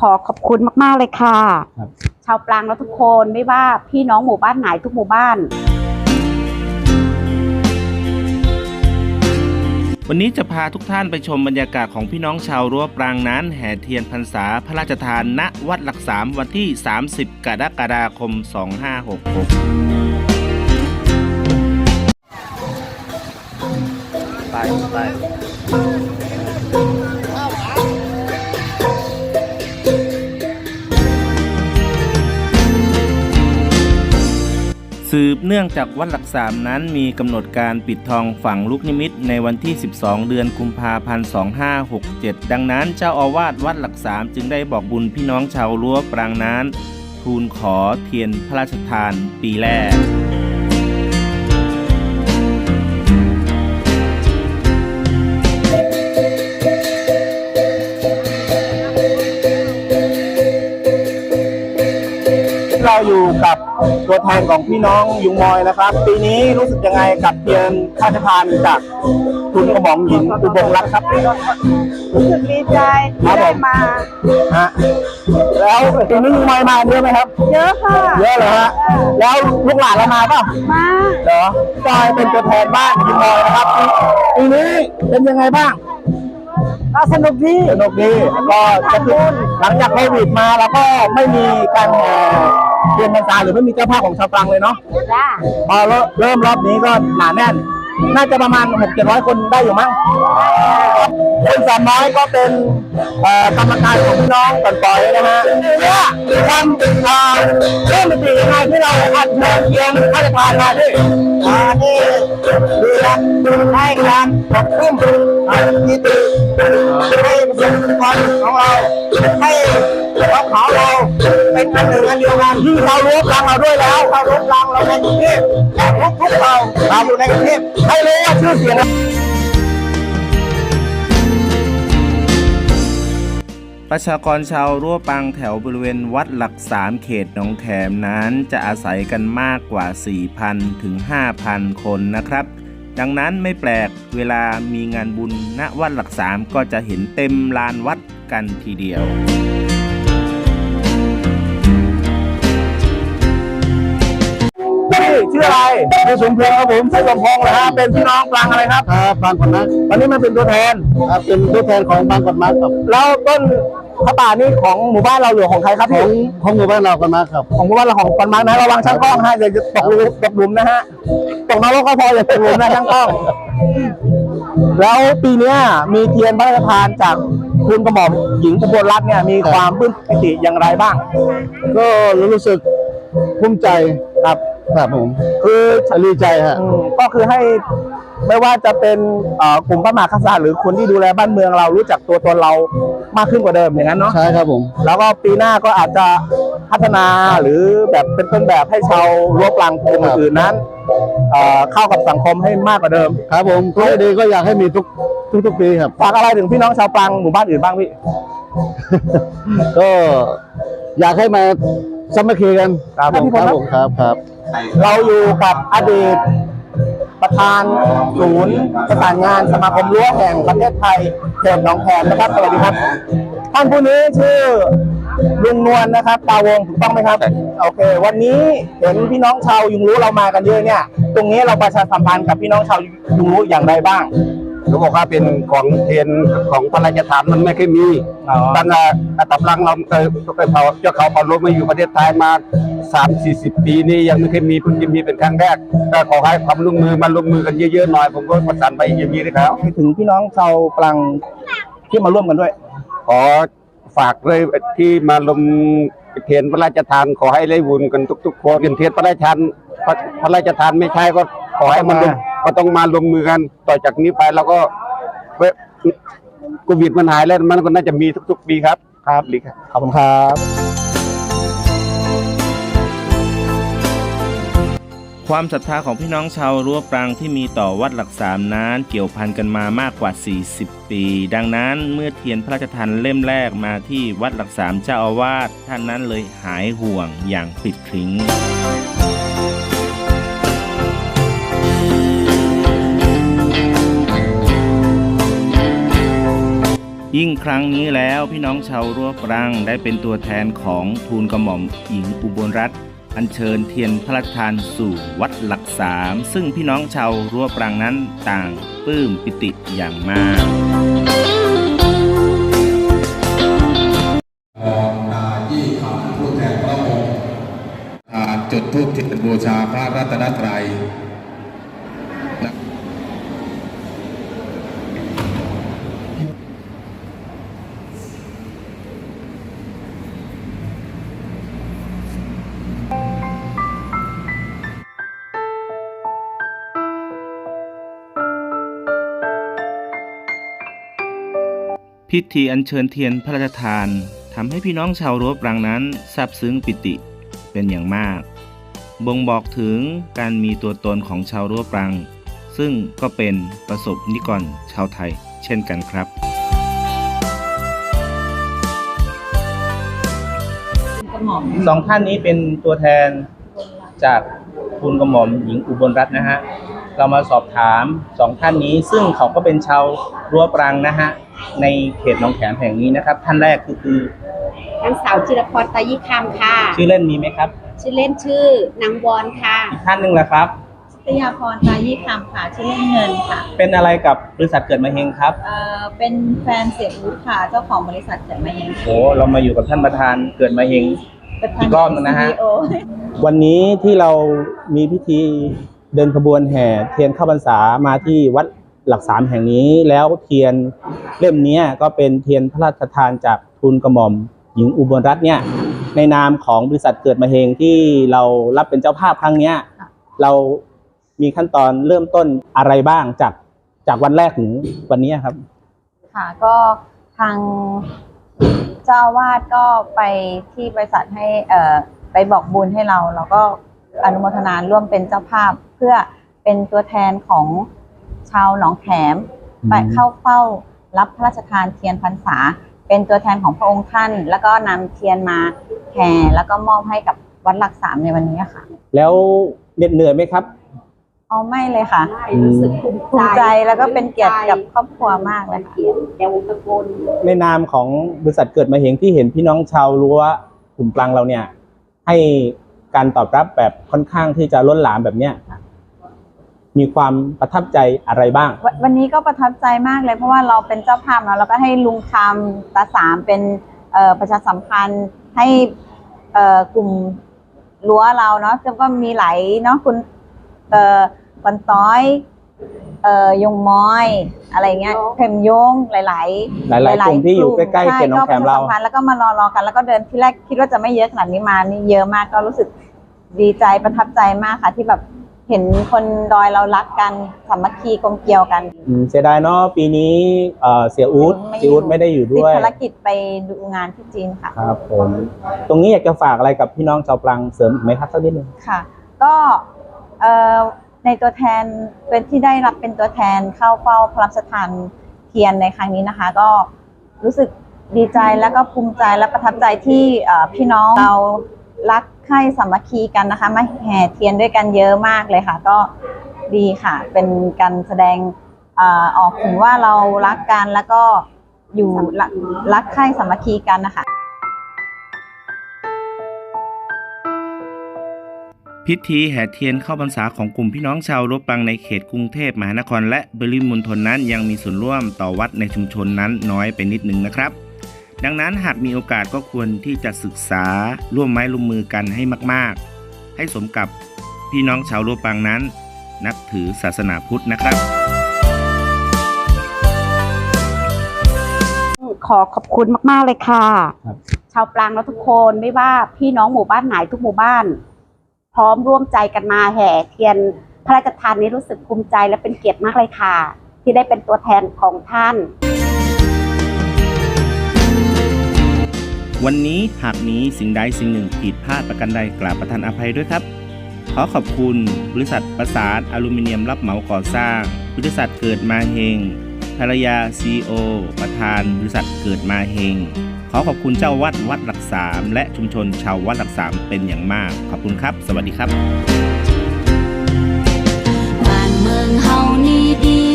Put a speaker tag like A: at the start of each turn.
A: ขอขอบคุณมากๆเลยค่ะ
B: ครับ
A: ชาวปรางและทุกคนไม่ว่าพี่น้องหมู่บ้านไหนทุกหมู่บ้าน
C: วันนี้จะพาทุกท่านไปชมบรรยากาศของพี่น้องชาวรั้วปรางนั้นแห่เทียนพรรษาพระราชทานณวัดหลักสามวันที่ 30 กรกฎาคม 2566 ไปสืบเนื่องจากวัดหลักสามนั้นมีกำหนดการปิดทองฝังลูกนิมิตในวันที่ 12 เดือนกุมภาพันธ์ 2567 ดังนั้นเจ้าอาวาสวัดหลักสามจึงได้บอกบุญพี่น้องชาวรั้วปรางนั้นทูลขอเทียนพระราชทานปีแรก
B: เราอยู่กับตัวแทนของพี่น้องยุงมอยนะครับ ปีนี้รู้สึกยังไงกับเทียนพระราชทานจากคุณกระหม่อมหญิงอุบลรัตน์ครับ
A: รู้สึกดีใจที่ได้มา
B: ฮะแล้วปีนี้ยุงมอยมาเยอะไหมครับ
A: เยอะค่ะ
B: เยอะเลยฮะแล้วลูกหลานเรามาเปล่า
A: มา
B: เหรอจอยเป็นตัวแทนบ้านยุงมอยนะครับปีนี้เป็นยังไงบ้าง
A: ก็สนุกดี
B: ก็จะขึ้นหลังจากโควิดมาเราก็ไม่มีการแห่เทียนพรรษาหรือไม่มีเจ้าภาพของชาวตรังเลยเนาะพอเริ่มรอบนี้ก็หนาแน่นน่าจะประมาณ 600-700 คนได้อยู่มั้งคน300ก็เป็นกรรมการของพี่น้องก่อนปล่อยนะฮะเนี่ยทำเริ่มเป็นยังไงที่เราอัดเทียนพระราชทานมาที่นี่คือให้การปกป้องที่ดีให้ประชาชนของเราให้เขาเราเป็นอันหนึ่งอันเดียวกันที่เรารู้ปรางเราด้วยแล้วเรารู้ปรางเราในกรุงเทพทุกเราอยู่ในกรุงเทพให้รู้ว่าชื่อเสียง
C: ประชากรชาวรั้วปรางแถวบริเวณวัดหลักสามเขตหนองแขมนั้นจะอาศัยกันมากกว่า 4,000 ถึง 5,000 คนนะครับดังนั้นไม่แปลกเวลามีงานบุญณวัดหลักสามก็จะเห็นเต็มลานวัดกันทีเดียว
B: ชื่ออะไรชื่อสมพงษ์ครับผมชื่อสมพงษ์นะฮะเป็นพี่น้องปรางอะไรครับ
D: บางกอกมัด
B: วันนี้มาเป็นตัวแทน
D: ครับเป็นตัวแทนของบางกอกมัดครับ
B: แล้วต้นพระป่านี่ของหมู่บ้านเราหรือของใครครับ
D: ของหมู่บ้านเรากันมาครับ
B: ของหมู่บ้านเราของกันมานะระวังช่างกล้องฮะอย่าตกหลุมนะฮะตกนรกก็พออย่าตกหลุมนะช่างกล้องแล้วปีนี้มีเทียนพระราชทานจากคุณกระหม่อมหญิงอุบลรัตน์เนี่ยมีความปลื้มปิติอย่างไรบ้าง
D: ก็รู้สึกภูมิใจครับผม
B: คือ
D: ดีใจฮะ
B: ก็คือให้ไม่ว่าจะเป็นกลุ่มพระมหากษัตริย์หรือคนที่ดูแลบ้านเมืองเรารู้จักตัวตนเรามากขึ้นกว่าเดิมอย่างนั้นเนาะ
D: ใช่ครับผม
B: แล้วก็ปีหน้าก็อาจจะพัฒนาหรือแบบเป็นต้นแบบให้ชาวรั้วปรางคนอื่นนั้นเข้ากับสังคมให้มากกว่าเดิม
D: ครับผมก็ดีก็อยากให้มีทุกปีครับ
B: ฝากอะไรถึงพี่น้องชาวปรางหมู่บ้านอื่นบ้างพี่
D: ก็อยากให้มาสามัคคีกัน
B: ครับผม
D: ครับ
B: เราอยู่กับอดีตประธานศูนย์ประสานงานสมาคมรั้วแห่งประเทศไทยเขตหนองแขมนะครับสวัสดีครับท่านผู้นี้ชื่อลุงนวลนะครับตาวงถูกต้องไหมครับโอเควันนี้เห็นพี่น้องชาวยุงรู้เรามากันเยอะเนี่ยตรงนี้เราประชาสัมพันธ์กับพี่น้องชาวยุงรู้อย่างไรบ้าง
D: เขาบอกว่าเป็นของเทียนของพระราชทานมันไม่เคยมีตั้งแต่ตับลังเราเคยเผาเจ้าเขาเผาลมมาอยู่ประเทศไทยมา30-40 ปีนี้ยังไม่เคยมีเพิ่งจะมีเป็นครั้งแรกก็ขอให้ความร่วมมือมาร่วมมือกันเยอะๆหน่อยผมก็ประสานไปอย่างนี้นะครับ
B: ถึงพี่น้องชาวปรางที่มาร่วมกันด้วย
D: ขอฝากเลยที่มาลงเทียนพระราชทานขอให้ได้บุญกันทุกๆคนเทียนพระราชทานไม่ใช่ก็ขอให้มันก็ต้องมาลงมือกันต่อจากนี้ไปแล้วก็โควิดมันหายแล้วมันก็น่าจะมีทุกๆปีครับลิครับ
B: ขอบคุณครับ
C: ความศรัทธาของพี่น้องชาวรั้วปรางที่มีต่อวัดหลักสามนั้นเกี่ยวพันกันมามากกว่า 40 ปีดังนั้นเมื่อเทียนพระราชทานเล่มแรกมาที่วัดหลักสามเจ้าอาวาสท่านนั้นเลยหายห่วงอย่างปลิดทิ้งยิ่งครั้งนี้แล้วพี่น้องชาวรั้วปรังได้เป็นตัวแทนของทูลกระหม่อมหญิงอุบลรัตน์อัญเชิญเทียนพระราชทานสู่วัดหลักสามซึ่งพี่น้องชาวรั้วปรังนั้นต่างปลื้มปิติอย่างมาก
E: ยี่คำผู้แทนพระองค์จุดธูปเทียนบูชาพระรัตนตรัย
C: พิธีอัญเชิญเทียนพระราชทานทำให้พี่น้องชาวรั้วปรังนั้นซาบซึ้งปิติเป็นอย่างมากบ่งบอกถึงการมีตัวตนของชาวรั้วปรังซึ่งก็เป็นประสบนิกรชาวไทยเช่นกันครับสองท่านนี้เป็นตัวแทนจากทูลกระหม่อมหญิงอุบลรัตน์นะฮะเรามาสอบถามสองท่านนี้ซึ่งเขาก็เป็นชาวรั้วปรังนะฮะในเขตหนองแขมแห่งนี้นะครับท่านแรกคือน
A: างสาวจิรพรตายิคำค่ะ
C: ชื่อเล่นมีไหมครับ
A: ชื่อเล่นชื่อนางวอนค่ะ
C: อีกท่านหนึ่งล่ะครับ
F: ชยาพรตายี่คำค่ะชื่อเล่นเงินค่ะ
C: เป็นอะไรกับบริษัทเกิดมาเฮงครับ
F: เป็นแฟนเสียอู๊ดค่ะเจ้าของบริษัทเกิดมาเอง
C: โอ้เรามาอยู่กับท่านประธานเกิดมาเฮง อีกรอบหนึ่งนะฮะ
F: CEO
B: วันนี้ที่เรามีพิธีเดินขบวนแห่เทียนเข้าพรรษามาที่วัดหลักสามแห่งนี้แล้วเทียนเล่มนี้ก็เป็นเทียนพระราชทานจากทูลกระหม่อมหญิงอุบลรัตน์เนี่ยในนามของบริษัทเกิดมาเฮงที่เรารับเป็นเจ้าภาพครั้งเนี้ยเรามีขั้นตอนเริ่มต้นอะไรบ้างจากวันแรกถึงวันนี้ครับ
F: ค่ะก็ทางเจ้าอาวาสก็ไปที่บริษัทให้ไปบอกบุญให้เราก็อนุโมทนาร่วมเป็นเจ้าภาพเพื่อเป็นตัวแทนของชาวหนองแขมไปเข้าเฝ้ารับพระราชทานเทียนพรรษาเป็นตัวแทนของพระองค์ท่านแล้วก็นำเทียนมาแห่แล้วก็มอบให้กับวัดหลักสามในวันนี้ค่ะ
B: แล้วเหน็ดเหนื่อยไหมครับ
F: อ๋อไม่เลยค่ะ
A: รู้สึกภู
F: ภูมิใจแล้วก็เป็นเกียรติกับครอบครัวมากเลยค่ะ
A: แกวงตะโกน
B: ในนามของบริษัทเกิดมาเฮงที่เห็นพี่น้องชาวรั้วกลุ่มปรังเราเนี่ยให้การตอบรับแบบค่อนข้างที่จะล้นหลามแบบเนี้ยมีความประทับใจอะไรบ้าง
F: วันนี้ก็ประทับใจมากเลยเพราะว่าเราเป็นเจ้าภาพเนาะเราก็ให้ลุงคำตาสามเป็นประชาสัมพันธ์ให้กลุ่มรั้วเราเนาะแล้วก็มีหลายเนาะคุณปันต้อยยงม้อยอะไรเงี้ยเข็มยงหลายๆ
B: กลุ่มที่อยู่ใกล้ๆเขตหนองแขมเรา
F: ใช่ก็ประชาสัมพันธ์แล้วก็มารอกันแล้วก็เดินที่แรกคิดว่าจะไม่เยอะขนาดนี้มานี่เยอะมากก็รู้สึกดีใจประทับใจมากค่ะที่แบบเห็นคนดอยเรารักกันสามัคคีกลมเกลียวกัน
B: เสียดายเนาะปีนี้เสียอู๊ดไม่ได้อยู่
F: ติด
B: ด้วย
F: ภารกิจไปดูงานที่จีนค่ะ
B: ครับผมตรงนี้อยากจะฝากอะไรกับพี่น้องชาวปรังเสริมอีกไหมครับสักนิดนึง
F: ค่ะ ก็ในตัวแทนเป็นที่ได้รับเป็นตัวแทนเข้าเฝ้าพระราชทานเทียนในครั้งนี้นะคะ ก็รู้สึกดีใจแล้วก็ภูมิใจและประทับใจที่พี่น้องเรารักใคร่สามัคคีกันนะคะมาแห่เทียนด้วยกันเยอะมากเลยค่ะ ก็ดีค่ะ เป็นการแสดงออกถึงว่าเรารักกันแล้วก็อยู่รักใคร่สามัคคีกันนะคะ
C: พิธีแห่เทียนเข้าพรรษาของกลุ่มพี่น้องชาวรั้วปรังในเขตกรุงเทพมหานครและปริมณฑลนั้นยังมีส่วนร่วมต่อวัดในชุมชนนั้นน้อยไปนิดนึงนะครับ ดังนั้นหากมีโอกาสก็ควรที่จะศึกษาร่วมไม้ร่วมมือกันให้มากๆให้สมกับพี่น้องชาวรั้วปรังนั้นนับถือศาสนาพุทธนะครับ
A: ขอขอบคุณมากๆเลยค่ะ
B: ครับ
A: ชาวปรางและทุกคนไม่ว่าพี่น้องหมู่บ้านไหนทุกหมู่บ้าน พร้อมร่วมใจกันมาแห่เทียนพระราชทานนี้รู้สึกภูมิใจและเป็นเกียรติมากเลยค่ะ ที่ได้เป็นตัวแทนของท่าน
C: วันนี้หากมีสิ่งใดสิ่งหนึ่งผิดพลาดประการใดกราบประทานอภัยด้วยครับ ขอขอบคุณบริษัทประสานอลูมิเนียมรับเหมาก่อสร้างบริษัทเกิดมาเฮงภรรยา CEO ประธานบริษัทเกิดมาเฮงขอขอบคุณเจ้าวัดวัดหลักสามและชุมชนชาววัดหลักสามเป็นอย่างมากขอบคุณครับสวัสดีครับ
G: บ้านเมืองเฮานี่ดี